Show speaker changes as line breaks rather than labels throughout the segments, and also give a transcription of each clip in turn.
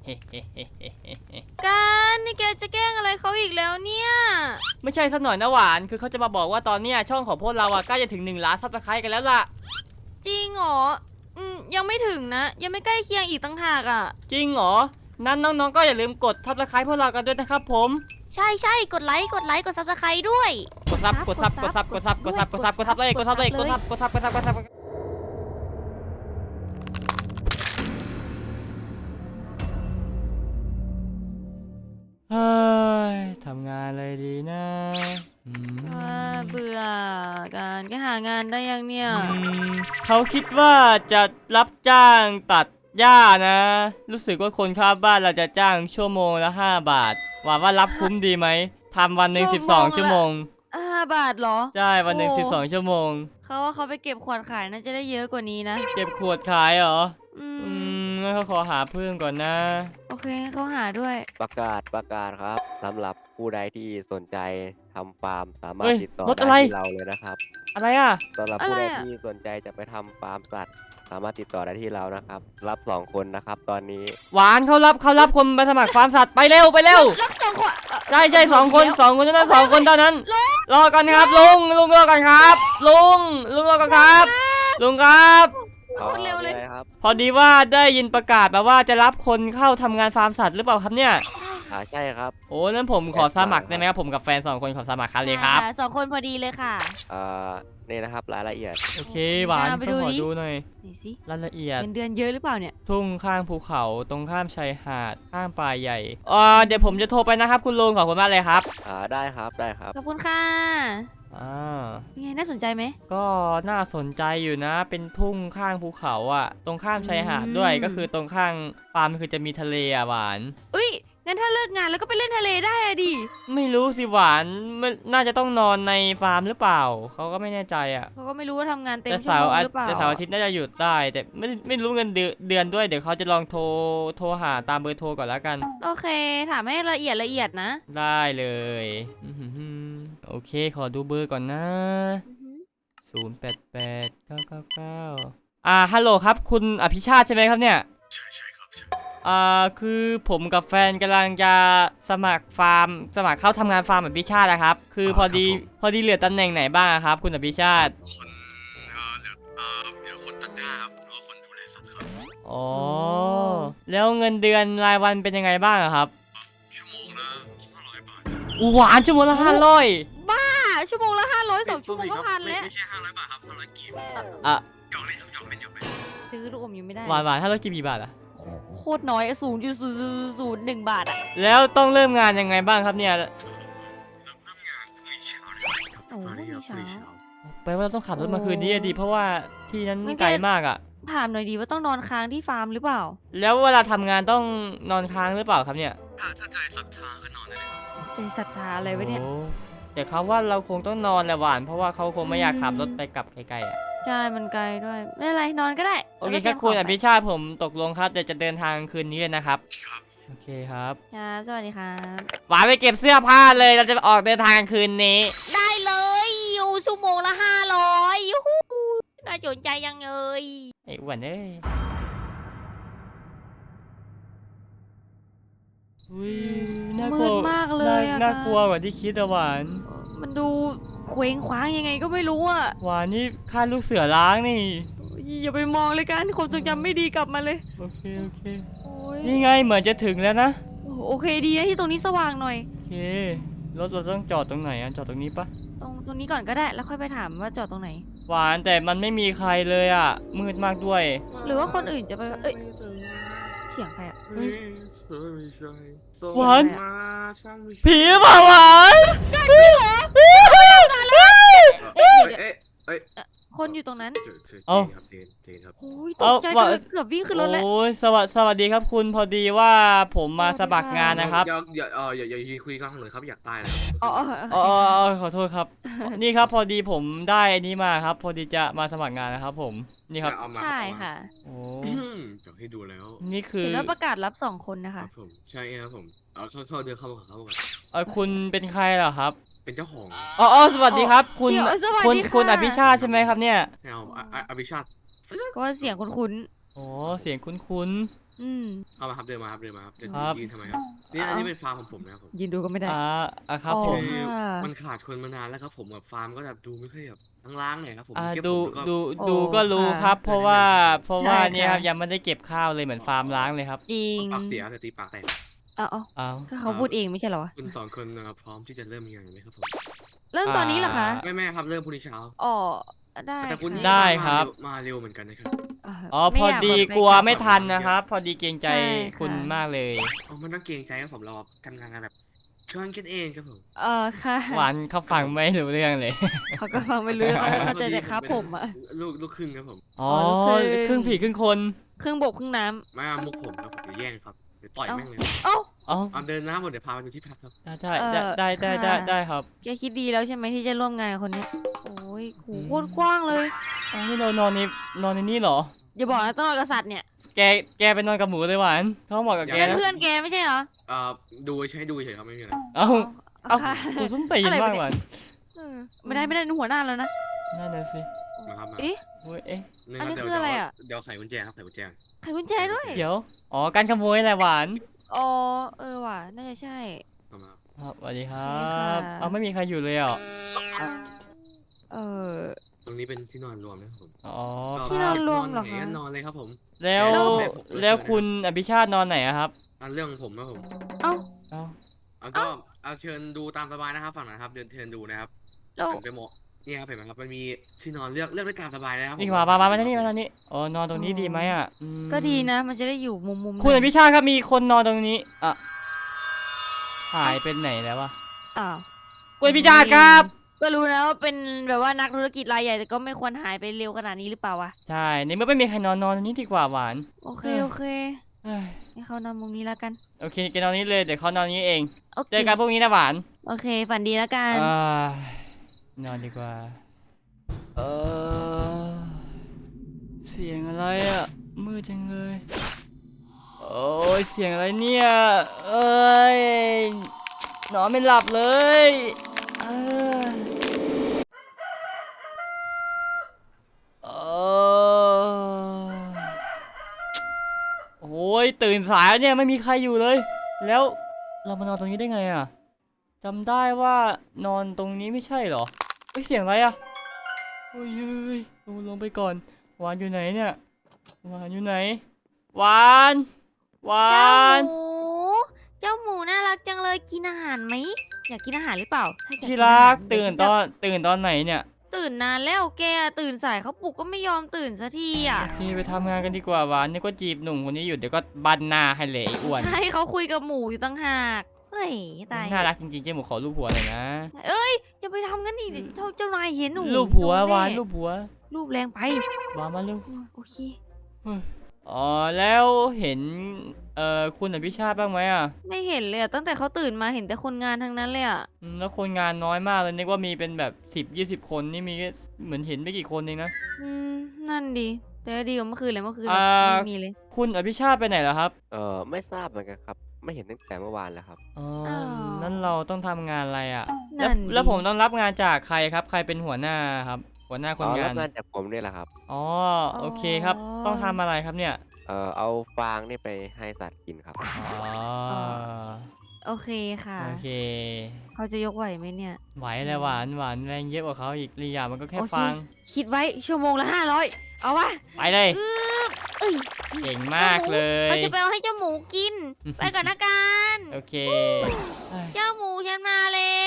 กันนี่แกจะแกล้งอะไรเขาอีกแล้วเนี่ย
ไม่ใช่สักหน่อยนะหวานคือเขาจะมาบอกว่าตอนเนี้ยช่องของพวกเราอะใกล้จะถึง1 ล้าน ซับสไครต์กันแล้วล่ะ
จริงเหรอยังไม่ถึงนะยังไม่ใกล้เคียงอีกตั้งหากอ่ะ
จริงเหรอนั้นน้องๆก็อย่าลืมกดซับสไครต์พวกเรากันด้วยนะครับผม
ใช่กดไลค์กดซับสไครต์ด้วย
กดซับเลยเฮ้ยทำงานอะไรดีนะ
เบื่อการแกหางานได้ยังเนี่ย
เขาคิดว่าจะรับจ้างตัดหญ้านะรู้สึกว่าคนข้างบ้านเราจะจ้างชั่วโมงละ5 บาทหวังว่ารับคุ้มดีไหมทำวันหนึ่ง12 ชั่วโมง
5 บาทเหรอ
ใช่วันหนึ่ง12 ชั่วโมง
เขาว่าเขาไปเก็บขวดขายน่าจะได้เยอะกว่านี้นะ
เก็บขวดขายเหรองั้นเขาขอหาเพิ่มก่อนนะ
โอเคเขาหาด้วย
ประกาศครับสำหรับผู้ใดที่สนใจทำฟาร์มสามารถติดต่อได้ที่เราเลยนะครับ
อะไรอ่ะ
สำหรับผู้ใดที่สนใจจะไปทำฟาร์มสัตว์สามารถติดต่อได้ที่เรานะครับรับ2 คนนะครับตอนนี้
หวานเขารับคนมาสมัครฟาร์มสัตว์ไปเร็ว
รับ2 คน
ใช่2 คนเท่านั้น2 คนเท่านั้นรอกันครับลุงรอกันครับลุงรอกันครับลุงครับ
เร็วเลย
พอดีว่าได้ยินประกาศมาว่าจะรับคนเข้าทำงานฟาร์มสัตว์หรือเปล่าครับเนี่ย
ใช่ครับ
โอ้นั้นผมขอสมัครได้ไหมครับผมกับแฟน2 คนขอสมัครครับเลยครับ
2 คนพอดีเลยค่ะ
นี่นะครับรายละเอียด
โอเคหวานต้องขอดูหน่อยรายละเอียด
เดือนเยอะหรือเปล่าเนี่ย
ทุ่งข้างภูเขาตรงข้ามชายหาดข้างป่าใหญ่เดี๋ยวผมจะโทรไปนะครับคุณลุงขอบคุณมากเลยครับ
ได้ครับ
ขอบคุณค่ะไงน่าสนใจไหม
ก็น่าสนใจอยู่นะเป็นทุ่งข้างภูเขาอ่ะตรงข้ามชายหาดด้วยก็คือตรงข้างฟาร์มคือจะมีทะเลอ่ะหวาน
งั้นถ้าเลิกงานแล้วก็ไปเล่นทะเลได้อะดิ
ไม่รู้สิหวานน่าจะต้องนอนในฟาร์มหรือเปล่าเขาก็ไม่แน่ใจอ่ะ
เขาก็ไม่รู้ว่าทำงานเต็มชั่วโมงหรือเปล่า
แต่เสาร์อาทิตย์น่าจะหยุดได้แต่ไม่รู้เงินเดือนด้วยเดี๋ยวเขาจะลองโทรหาตามเบอร์โทรก่อนแล้วกัน
โอเคถามให้ละเอียดนะ
ได้เลยโอเคขอดูเบอร์ก่อนนะ088999ฮัลโหลครับคุณอภิชาติใช่ไหมครับเนี่ย
ใช่ครับ
คือผมกับแฟนกำลังจะสมัครเข้าทำงานฟาร์มอภิชาตินะครับคือพอดีเหลือตำแหน่งไหนบ้างครับคุณอภิชาติ
คนเหลือคนตัดหญ้าครับหรือว่าคนดูแลสัตว์ครับ
อ๋อแล้วเงินเดือนรายวันเป็นยังไงบ้างครับ
ชั่วโมงละ500 บาท
หวานชั่วโมงละ500
บ้าชั่วโมงละ500 2 ชั่วโมงก็1,000แล้ว
ไม่ใช่500 บาทครับ500 กีบจอกเล่น
ซื้อลูกอมยังไม่ได้
หวาน500 กีบกี่บาทอะ
โคตรน้อย0.001 บาทอะ
แล้วต้องเริ่มงานยังไงบ้างครับเนี่ย
เริ่มงานพรุ่งนี้เช้าเลย
โอ้พรุ่งนี้เช้า
แปลว่าเราต้องขับรถมาคืนนี้ดีเพราะว่าที่นั้นไกลมากอะ
ถามหน่อยดีว่าต้องนอนค้างที่ฟาร์มหรือเปล่า
แล้วเวลาทำงานต้องนอนค้างหรือเปล่าครับเนี่ย
ถ้าใจศรัทธาก็นอนได้เลยครับ
ใจศรัทธาอะไรวะเนี่ย
แต่เขาว่าเราคงต้องนอนแหละหวานเพราะว่าเขาคงไม่อยากขับรถไปกลับไกลๆอ่ะ
ใช่มันไกลด้วยไม่เป็นไรนอนก็ได้
โอเคครับคุณอภิชาติผมตกลงครับเดี๋ยวจะเดินทางคืนนี้เลยนะครับโอเคครับ
สวัสดีครับ
หวานไปเก็บเสื้อผ้าเลยเราจะออกเดินทางคืนนี้
ได้เลยอยู่ชั่วโมงละ500ยูฮูน่าสนใจยังเลย
ไอ้อ้วนเอ้ยน่ากลัว
มากเลย
น่ากลัวกว่าที่คิดอะหวาน
มันดูเคว้งคว้างยังไงก็ไม่รู้อะ
หวานนี่ค่าลูกเสือล้างนี่
อย่าไปมองเลยกันความทรงจำไม่ดีกลับมาเลย
โอเคนี่ไงเหมือนจะถึงแล้วนะ
โอเคดีนะที่ตรงนี้สว่างหน่อย
โอเครถเราต้องจอดตรงไหนจอดตรงนี้ปะ
ตรงนี้ก่อนก็ได้แล้วค่อยไปถามว่าจอดตรงไหน
หวานแต่มันไม่มีใครเลยอ่ะมืดมากด้วย
หรือว่าคนอื่นจะไปเสียงใครอ่ะ
หวานผีเปล่าหวาน
คนอยู่ตรงนั้น
ครับ
โอ้ยตกใจจนเกือบวิ่งขึ้นรถแล้ว
โอ้ยสวัสดีครับคุณพอดีว่าผมมาสมัครงานนะครับ
อย่าคุยกันเลยครับอยากตายแล้ว
ขอโทษครับนี่ครับพอดีผมได้อันนี้มาครับพอดีจะมาสมัครงานนะครับผมนี่ครับ
ใช่ค่ะ
โอ้
อยากให้ดูแล้ว
นี่คือ
เห็นว่าประกาศรับ2 คนนะคะ
ผมใช่ครับผมเข้าเดินเข้ามา
คุณเป็นใครเหรอครับ
เป็นเจ้าของ
สวัสดีครับคุณอภิชาติใช่ไหมครับเนี่ย
อภิชาติ
ก็เสียงคุ้น
อ๋อเสียงคุ้น
อืม
เข้ามาครับเดินมาครับเดินมาครับเดิน
ครับ
ยืนทำไมครับนี่อันนี้เป็นฟาร์มของผมนะครับผม
ยืนดูก็ไม่ได้
ครับ
อ๋อ
ผม
คือ
ค่ะ
มันขาดคนมานานแล้วครับผมแบบฟาร์มก็แบบดูไม่ค่อยแบบล้างๆหน่อยครับผม
อ่า
เก็บ
ดู
ผมแล้วก็
ดู
โอ้
ดูก็รู้
ค่ะ
ครับ เพราะว่า
ใช่
เพราะว่า
ใช่
เนี่ยครับ
ค่ะ
ยังไม่ได้เก็บข้าวเลยเหมือนฟาร์มล้างเลยครับ
จริง
ปากเสียแต่ตีปากแตก
เอา
อ้าว
ก็เขาพูดเองไม่ใช่เหรอวะ
คุณสองคนนะครับพร้อมที่จะเริ่มงานไหมครับผม
เริ่มตอนนี้เหรอคะ
แม่ครับเริ่มพรุ่งนี้เช้า
อ๋อได้
แต่คุณ
ค่ะ
ได้
มา
ครับ
มาเร็วเหมือนกันนะครับ
อ๋อ
ไม่
พอ
อยาก
ดี
แบบ
กลัว
ไป
ไม่ทันนะครับ พอดีเกรงใจ
ใช่ค่ะ
คุณมากเลย
เอามันต้องเกรงใจครับผมเราทำงานกันแบบช่วยกันเองครับผม
ค่ะ
หวานเขาฟังไม่รู้เรื่องเลย
เขาก็ฟังไม่รู้เขาเข้าใจแต่ครับผมอะ
ลูกครึ่งครับผม
อ๋อ
ลูกครึ่ง
ครึ่งผีครึ่งคน
ครึ่งบกครึ่งน้
มามุกผมครับผมเดี๋ยวแย่งครับเดี๋ยวต่อยแม่งเลย
ำเอ้า
อ๋อ
เอาเดินหน้าหมดเดี๋ยวพาไปดูที่พักครับ
ได้
เอ่อ
ได้ได้ได้
ค่ะ
ได้ครับ
แกคิดดีแล้วใช่ไหมที่จะร่วมงานกับคนเนี้ยโอ้ยหูโคตรกว้างเลย
อ๋อนี่เรานอนในนี่เหรอ
อย่าบอกนะต้องนอนกับสัตว์เนี่ย
แกไปนอนกับหมูเลยหวานเขาบอกกับแก
เป็น
นะ
เพื่อนแกไม่ใช่เหรอ
ดูใช้ดูเฉยครับไม่มีอะไร
เอ้า เอ้า
ค่ะ
กูส้นตีน
อะไร
มาก
วะเนี่ย
หวาน
ไม่ได้หัวหน้าแล้วนะ
นั่นน่ะสิ
มาครับมา
เอ๊ะ
เว้ยเอ๊ะ
นี่
อันนี้
รับ
คืออะไรอะ
เดี๋ยวไขกุญแจครับไขกุญแจ
ไขกุญแจด้วย
เดี๋ยว อ๋อ การขโมยแหละหวาน
อ๋อว่ะน่าจะใช่
เอามา
ครับสวัสดีครั
โอเคค่ะ
บ เอาไม่มีใครอยู่เลยเหรอ
เออ
ตรงนี้เป็นที่นอนรวมนะครับผม
อ๋อ
ที่นอนรวมเหรอคะ
ไหนก็นอนเลยครับผม
แล้ว แล้วคุณอภิชาตินอนไหนอะครับ
อันเรื่องของผมนะผม
เอ้า
เอ้า
เอาก็เอาเชิญดูตามสบายนะครับฝั่งนะครับเดินเชิญดูนะครับ
แล้ว
หันไปหมดนี่ครับเห็นไหมครับมันมีที่นอนเลือกได้ตามสบายเลยครับ
นี่มาทางนี้มาทางนี้ อ๋อ นอนตรงนี้ดีไหมอะอืม
ก็ดีนะ มันจะได้อยู่มุม
คุณ
ห
อ
น่ย
ภิชาติครับ มีคนนอนตรงนี้ อ่ะ หายไปไหนแล้ววะ
อ้าว
คุณอภิชาติครับ
ก็รู้นะว่าเป็นแบบว่านักธุรกิจรายใหญ่แต่ก็ไม่ควรหายไปเร็วขนาดนี้หรือเปล่าวะ
ใช่ ในเมื่อไม่มีใครนอนตรงนี้ดีกว่าหวาน
โอเค
เออ
โอเค
เอ้ย
ให้เขานอนมุมนี้แล้วกัน
โอเคแกนอนนี้เลย เดี๋ยวเขานอนนี้เอง
โอเค
เจอกันพรุ่งนี้นะหวาน
โอเค ฝันดีแล้วกัน
อ่านอนดีกว่า เสียงอะไรอ่ะ มืดจังเลย โอ้ยเสียงอะไรเนี่ย เอ้ย นอนไม่หลับเลยเอ้ยโอ้ยตื่นสายแล้วเนี่ยไม่มีใครอยู่เลย แล้วเรามานอนตรงนี้ได้ไงอ่ะจำได้ว่านอนตรงนี้ไม่ใช่เหรอเอ้ยเสียงอะไรอ่ะโอ้ยเอ้ยลงไปก่อนหวานอยู่ไหนเนี่ยหวานอยู่ไหนหวานหวา
เจ้าน หมูน่ารักจังเลยกินอาหารไหมอยากกินอาหารหรือเปล่าถ้าอยาก
ที่
น
รั
อาก หา
ตื่น
เดี๋ยวฉัจะ
ตื่นตอนไหนเนี่ย
ตื่นนานแล้วแกตื่นสายเขาปลุกก็ไม่ยอมตื่นสักทีอ่ะ
โอเคไปทำงานกันดีกว่าหวานนี่ก็จีบหนุ่มคนนี้อยู่เดี๋ยวก็บันหน้าให้เลยไอ้อ้วน
ใช่เขาคุยกับหมูอยู่ตั้งหากเฮ้ยตาย
น่ารักจริงๆเจ๊หมูขอรูปหัวเลยนะ
เอ้ยอย่าไปทำงั้นดิเดี๋ยวเจ้านายเห็นหนู
รูปหัว
โดนแน่
หวานรูปหัว
รูปแรงไป
หวานมาเร็ว
โอเค
อ๋อแล้วเห็นคุณอภิชาติบ้างไหมอ่ะ
ไม่เห็นเลยอะตั้งแต่เขาตื่นมาเห็นแต่คนงานทั้งนั้นเลยอ่ะ
แล้วคนงานน้อยมากเลยนึกว่ามีเป็นแบบ10-20 คนนี่มีแค่เหมือนเห็นไม่กี่คนเองนะ
นั่นดีแต่ก็ดีกว่าเมื่อคืนเลยเมื่อคืน
อ่า
ไม่มีเลย
คุณอภิชาติไปไหนแล้วครับ
ไม่ทราบเหมือนกันครับ ไม่เห็นตั้งแต่เมื่อวานแล้วครับ
อ๋อ
อ้าว
นั่นเราต้องทำงานอะไรอ่ะ
นั่นดิ
แล้วผมต้องรับงานจากใครครับ ใครเป็นหัวหน้าครับ หัวหน้าคนงา
รั
น
บงานจากผมนี่แหละครับ
อ๋อโอเคครับ ต้องทำอะไรครับเนี่ย
เอาฟางนี่ไปให้สัตว์กินครับ
อ๋อ
โอเคค่ะ
โอเค
เขาจะยกไหวไหมเนี่ย
ไหวเลยหวานแรงเยอะกว่าเขาอีกลียามันก็แค่
โอเค
ฟัง
คิดไว้ชั่วโมงละ500เอาวะ
ไปเลย
เอ้ย
เก่งมากเลย
เขาจะไปเอาให้เจ้าหมูกิน ไปก่อนนะกัน
โอเค
เจ้าหมูฉันมาแล้ว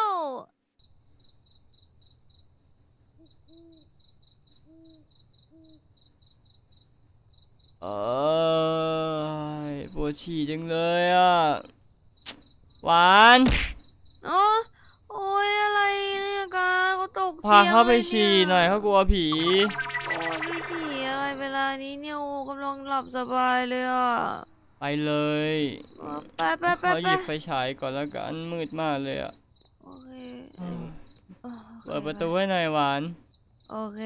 เอ้ยปวดฉี่จังเลยอ่ะ หวาน
อ๋อโอ้ยอะไรเนี่ยกันเขาตก
พา
ตียง
เขาไป
ล
ฉี่
นี่
หน่อยเขากลัวผี
โอ้ยไปฉี่อะไรเวลานี้เนี่ยโอ้กำลังหลับสบายเลยอ่ะ
ไปเลย
ไป
เขาหยิบไฟฉายก่อนแล้วกันมืดมากเลยอ่ะ
โอเค
เปิดประตูให้หน่อยหวาน
โอเค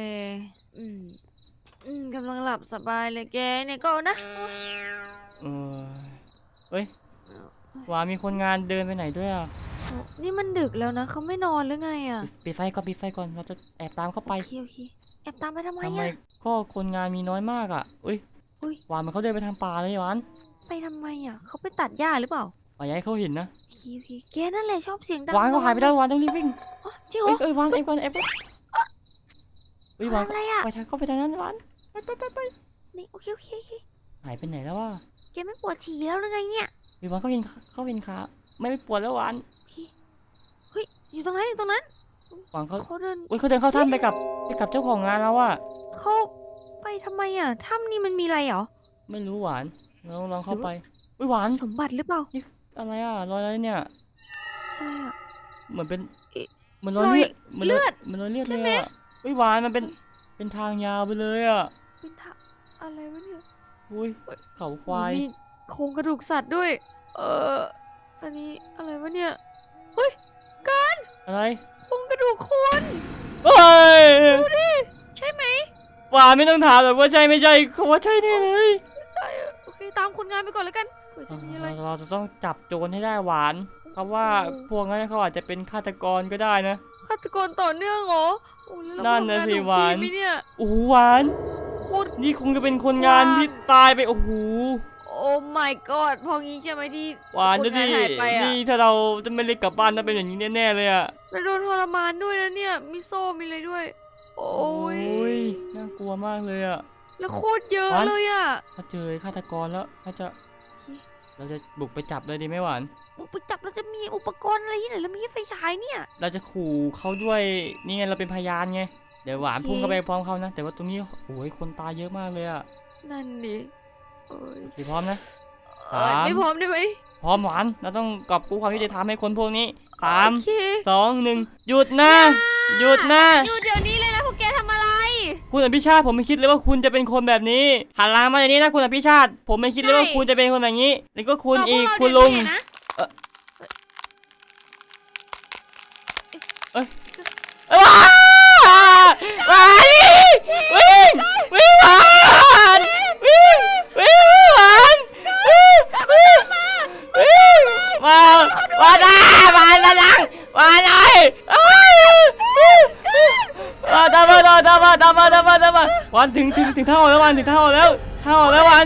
กำลังหลับสบายเลยแกเนี่ยก็นะ
เออเฮ้ยหวานมีคนงานเดินไปไหนด้วยอ่ะ
โอ้นี่มันดึกแล้วนะเขาไม่นอนหรือไงอ่ะ
ปิดไฟก่อนเราจะแอบตามเข้าไป
โอเคแอบตามไปทำไม
ทำไม
อ่ะ
ก็คนงานมีน้อยมากอ่ะอุ้ย
อุ้ย
หวานมันเขาเดินไปทางป่าเลยหวาน
ไปทำไมอ่ะเขาไปตัดหญ้าหรือเปล่า
ป่าย้ายเขาเห็นนะ
โอเคแกนั่นแหละชอบเสียงดัง
หวานเขาหายไปแล้วหวานต้องรีบวิ่ง
อ๋อจริงเหร
เอ้
อย
หวานเอ้ยหวาน
อะไรอ่ะ
ไปทางเข้าไปทางนั้นหวานไป
นี่โอเค
หายไปไหนแล้ววะ
แกไม่ปวดฉี่แล้วหรือไงเนี่ย
หวานเขาเห็นขาไม่ปวดแล้วหวาน
โอเคเฮ้ยอยู่ตรงนั้น
หวานเขา
เขาเดิน
อุ้ยเขาเดินเข้าถ้ำไปกับเจ้าของงานแล้วอะ
เขาไปทำไมอ่ะถ้ำนี่มันมีอะไรเหรอ
ไม่รู้หวานลองเข้าไปอุ้ยหวาน
สมบัติหรือเปล่า
อะไรอะรอยอะไรเนี่ย
อะไรอ่ะ
เหมือนเป็น
เอ๊ะ
เหมือนรอยเลือด
เลือด
เหมือนรอยเลือด
ใช่
เลย
ไหม
อะอุ้ยหวานมันเป็นทางยาวไปเลยอะ
เป็นทะอะไรวะเนี่ย
อุ้ยเขาควาย
มีโครงกระดูกสัตว์ด้วย อันนี้อะไรวะเนี่ย
อะไร
โครงกระดูกคน
เฮ้ย
ใช่ไหม
หวานไม่ต้องถามหรอกว่าใช่ไม่ใช่เขาว่าใช่แน่เลย
ได้อะโอเคตามคนงานไปก่อนแล้วกันเผื่อจะมีอะไร
เราจะต้องจับโจรให้ได้หวานเขาว่าพวกนั้นเขาอาจจะเป็นฆาตกรก็ได้นะ
ฆาตกรต่อเนื่องเหรอโอ้แล้ว
นั่นน่ะ
เรา
สิ
ทำง
หวาน
ถูกที่ไหมเนี่ย
โอ้โหหวาน
โคตร
นี่คงจะเป็นคนงานที่ตายไปโอ้โห
โอ้ my god พองี้ใช่ไหมที่
หวาน
ค
ดู
น
ดิ
งานหายไปอ่ะ
นี่ถ้าเราจะไม่ได้กลับบ้านถ้าเป็นอย่างนี้แน่ๆเลยอะ
แล้วโดนทรมานด้วยนะเนี่ย มีโซ่มีอะไรด้วย โอ้ย
ยน่ากลัวมากเลยอะ
แล้วโคตรเยอะ
หวาน
เลยอ่ะ
เขาเจอฆาตกรแล้วเขาจะ
โอเค
เราจะบุกไปจับเลยดีไหมหวาน
บุกไปจับเราจะมีอุปกรณ์อะไรที่ไหนแล้วมีไฟฉายเนี่ย
เราจะขู่เขาด้วยนี่ไงเราเป็นพยานไงเดี๋ยวหวาน
โอเค
พุ่งเข้าไปพร้อมเขานะ แต่ว่าตรงนี้โอ้ยคนตายเยอะมากเลยอะ
นั่นดิโอ้ย
พร้อมนะ
ไม่พร้อมได้ไหม
พร้อมหวานเราต้องกอบกู้ความยุติธรรมให้คนพวกนี้สาม
โอเค
2 1หยุดนะหยุดนะ
หยุดเดี๋ยวนี้เลยนะพวกแกทำอะไร
คุณอภิชาติผมไม่คิดเลยว่าคุณจะเป็นคนแบบนี้หันหลังมาอย่างนี้นะคุณอภิชาติผมไม่คิดเลยว่า
ใช่
คุณจะเป็นคนแบบนี้แล้วก็คุณ
ต่พว
อีก
เรา
คุณ
เดี๋
ลุ
ยว
ง
นี้นะ
ว้าวว้าววิ่งหวานวิ่งหวานวิ่งมาได้มาแล้วหลังมาเลยตามมาวันถึงท่าออกแล้ววันถึงท่าออกแล้ววัน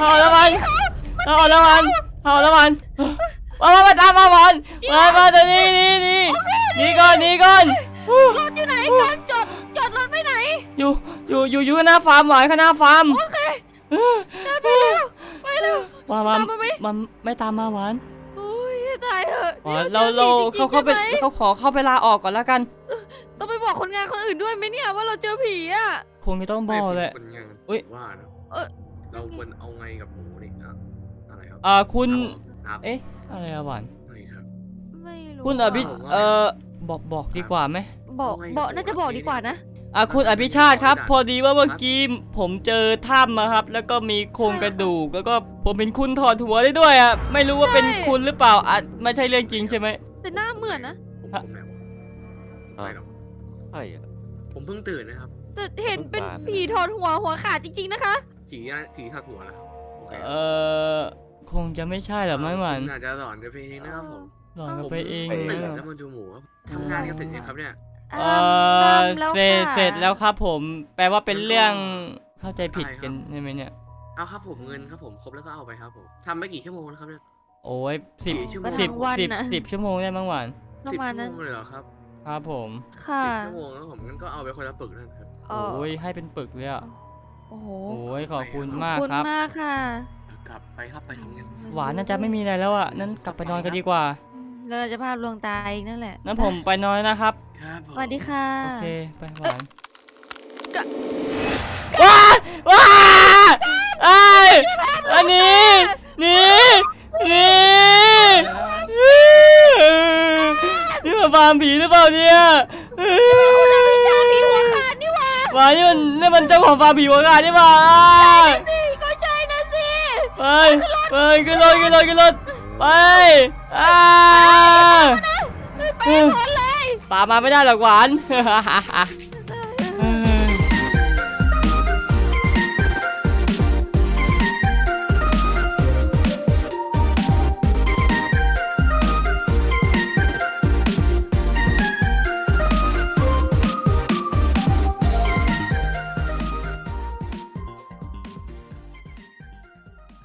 มาตามมาวันมาตรงนี้ก่อน
รถอยู่ไหนก่อนจอดรถไปไหน
อยู่ข้างหน้าฟาร์มหวานข้างหน้าฟาร์ม
โอเคไปเร็ว
ว่า
ตามมาไหม
มันไม่ตามมาหวาน
โอ้ยตายเถอะ
อ๋อ
นี่มัน
เรา
จอผีจริงๆ
เข้าไป
ใช่หม
เขาขอเข้าไปลาออกก่อนแล้วกัน
ต้องไปบอกคนงานคนอื่นด้วยไหมเนี่ยว่าเราเจอผีอ่ะ
คงจะต้องบอกแหละ
คนงาน
อุ๊ย
ว่านะ
เออ
เราควรเอาไงกับหมูนี่อะอะไรครับ
คุณ
ครับ
เอ๊ะอะไรอะหวาน
ไม่ครับ
ไม่รู้
คุณอภิ บอกดีกว่าไหม
บอกน่าจะบอกดีกว่านะ
คุณอภิชาติครับ พอดีว่าเมื่อกี้ผมเจอถ้ำมาครับ แล้วก็มีโครงกระดูกแล้วก็ผมเห็นคุณถอดหัวได้ด้วยอ่ะไม่รู้ว่าเป็น
ใช่
คุณหรือเปล่าไม่ใช่เรื่องจริงใช่ไหม
แต่หน้าเหมือนนะ
ผมแมวไม่หรอก
ใช่อะ
ผมเพิ่งตื่นนะครับ
แต่เห็นเป็นผีถอดหัวขาดจริงๆนะคะ
ผีทักหัวนะครับโอเค
คงจะไม่ใช่หรอกมั้งหวาน
น่าจะหลอนกันไปเองนะครับผม
หลอนกันไปเอง
ตื่น
นะ
แล้วมาดูหมูครับทำงานกันเสร็จยังครับเนี่ย
เสร็จแล้วครับผม แปลว่าเป็นเรื่องเข้าใจผิดกันใช่ไหมเนี่ย
เอาครับผมเงินครับผมครบแล้วก็เอาไปครับผมทำไปกี่ชั่วโมงแล้วครับเนี่ย
โอ้ยสิบ
กี่ชั่วโมง
สิบ
วัน
สิบ
น่ะ
10 ชั่วโมงได้มั้งหวาน
ประ
10
มาณ
ชั่
นั้
วน โมงเลยเหรอครับ
ครับผม
ค่ะ
10 ชั่วโมงแล้วผมงั้นก็เอาไปคนละปึกนั่นครับ
เอ่อ
โอ้ยให้เป็นปึกเลยอ่ะ
โอ้โห
โอ้ยขอบคุณ
ขอบ
มาก
คุณ
ครับ
มากค่ะ
กลับไปครับไปทำงาน
หวานน่าจะไม่มีอะไรแล้วอ่ะนั้นกลับไปนอนกันดีกว่า
แล้วเราจะภาพลวงตาอีกนั่นแหละ
นั้นผมไปนอนนะครับ
ครับผม
สวัสดีค่ะ
โอเคไปหวาน
กะ
ว้าไอ้ยอันนี้นี่นี่มันฟาร์มผีหรือเปล่าเนี่ย
ไม่ใช่ผีหัวขาดนี่หว่า
หวานนี่มันเจ้าของฟาร์มผีหัวขาดนี่หว่า
สิก็ใช่นะสิ
ไปขึ้นรถไป
ไปหมดเลย
ตามมาไม่ได้หรอกหวาน